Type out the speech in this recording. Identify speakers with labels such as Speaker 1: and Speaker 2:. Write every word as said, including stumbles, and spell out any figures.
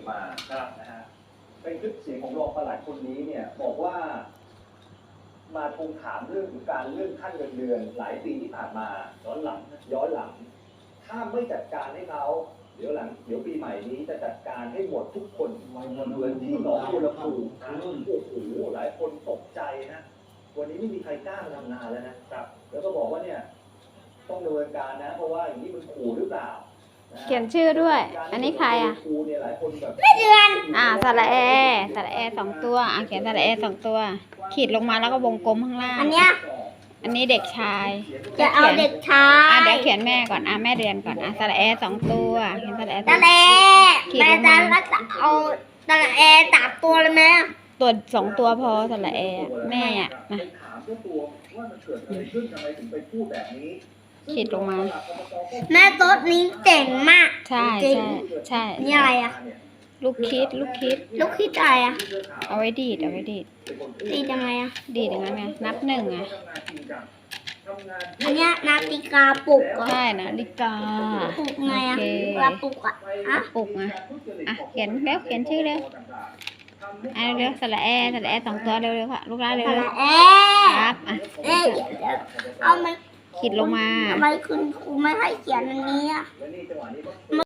Speaker 1: อกมาครับนะฮะเป็นคลิปเสียงของรองปลัดคนนี้เนี่ยบอกว่า มาทวงถามเรื่องของการเลื่อนขั้นเงินเดือนหลายปีที่ผ่านมาย้อนหลังย้อนหลัง ถ้าไม่จัดการให้เขาเดี๋ยวหลังเดี๋ยวปีใหม่นี้จะจัดการให้หมดทุกคนเหมือนที่หนองบัวลำพูโอ้โหหลายคนตกใจนะวันนี้ไม่มีใครกล้ามาทำงานแล้วนะครับแล้วก็บอกว่าเนี่ยต้องดำเนินการนะเพราะว่าอย่างนี้มันขู่หรือเปล่า
Speaker 2: เขียนชื่อด้วย อันนี้ใครอ่ะ
Speaker 1: ไม่เดือน
Speaker 2: อ่าสระแอสระแอสองตัวอ่ะเขียนสระแอสองตัว ขีดลงมาแล้วก็วงกลมข้างล่าง
Speaker 3: อันเนี้ย
Speaker 2: อันนี้เด็กชาย
Speaker 3: จะเอาเด็กชา
Speaker 2: อ่ะ
Speaker 3: ย
Speaker 2: เดี๋ยวเขียนแม่ก่อนอ่ะแม่เรียนก่อนอ่ะสระแอสองตัวเขียนสระแอสอง
Speaker 3: ตะ
Speaker 2: ตัว
Speaker 3: เล
Speaker 2: ขีด
Speaker 3: แม่
Speaker 2: ลงมา
Speaker 3: จะรักษาเอาตะเลสามตัวเลยไหม
Speaker 2: ตัวสองตัวพอสระแอแม่อ่ะมา
Speaker 1: ถามเจ้าตัวว่ามันเกิดอะไรขึ้นทำไมถึงไปพูดแบบนี้
Speaker 2: ขีดลงมา
Speaker 3: แม่โต๊ะนี้เจ๋งมาก
Speaker 2: ใช่
Speaker 3: จริง
Speaker 2: ใช่ใช่
Speaker 3: นี่อะไรอ่ะ
Speaker 2: ลูกคิดลูกคิด
Speaker 3: ลูกคิดอะไรอ่ะ
Speaker 2: เอาไว้ดีดเอาไว้ดีด
Speaker 3: ตียังไงอ่ะ
Speaker 2: ดีดอย่างนั้นไงนับหนึ่งไง
Speaker 3: อันเนี้ยนาฬิกาปลุกอ่ะ
Speaker 2: ใช่นะลิกา
Speaker 3: ปลุกไงอ่ะ
Speaker 2: โอเค
Speaker 3: เวลาปลุกอ่ะอ่ะ
Speaker 2: ปลุกไงอ่ะเขียนเร็วเขียนชื่อเร็วอ่ะเร็วสระแอสระแอสองตัวเร็วเร็วค่ะลูกหลานเร็ว
Speaker 3: ตะ
Speaker 2: เร็
Speaker 3: เล
Speaker 2: ว
Speaker 3: เอ๊
Speaker 2: ครับอ่ะ
Speaker 3: เอ๊ะเอามัน
Speaker 2: ขีดลงมา
Speaker 3: ทำไมคุณครูไม่ให้เขียนอันนี้อ่ะ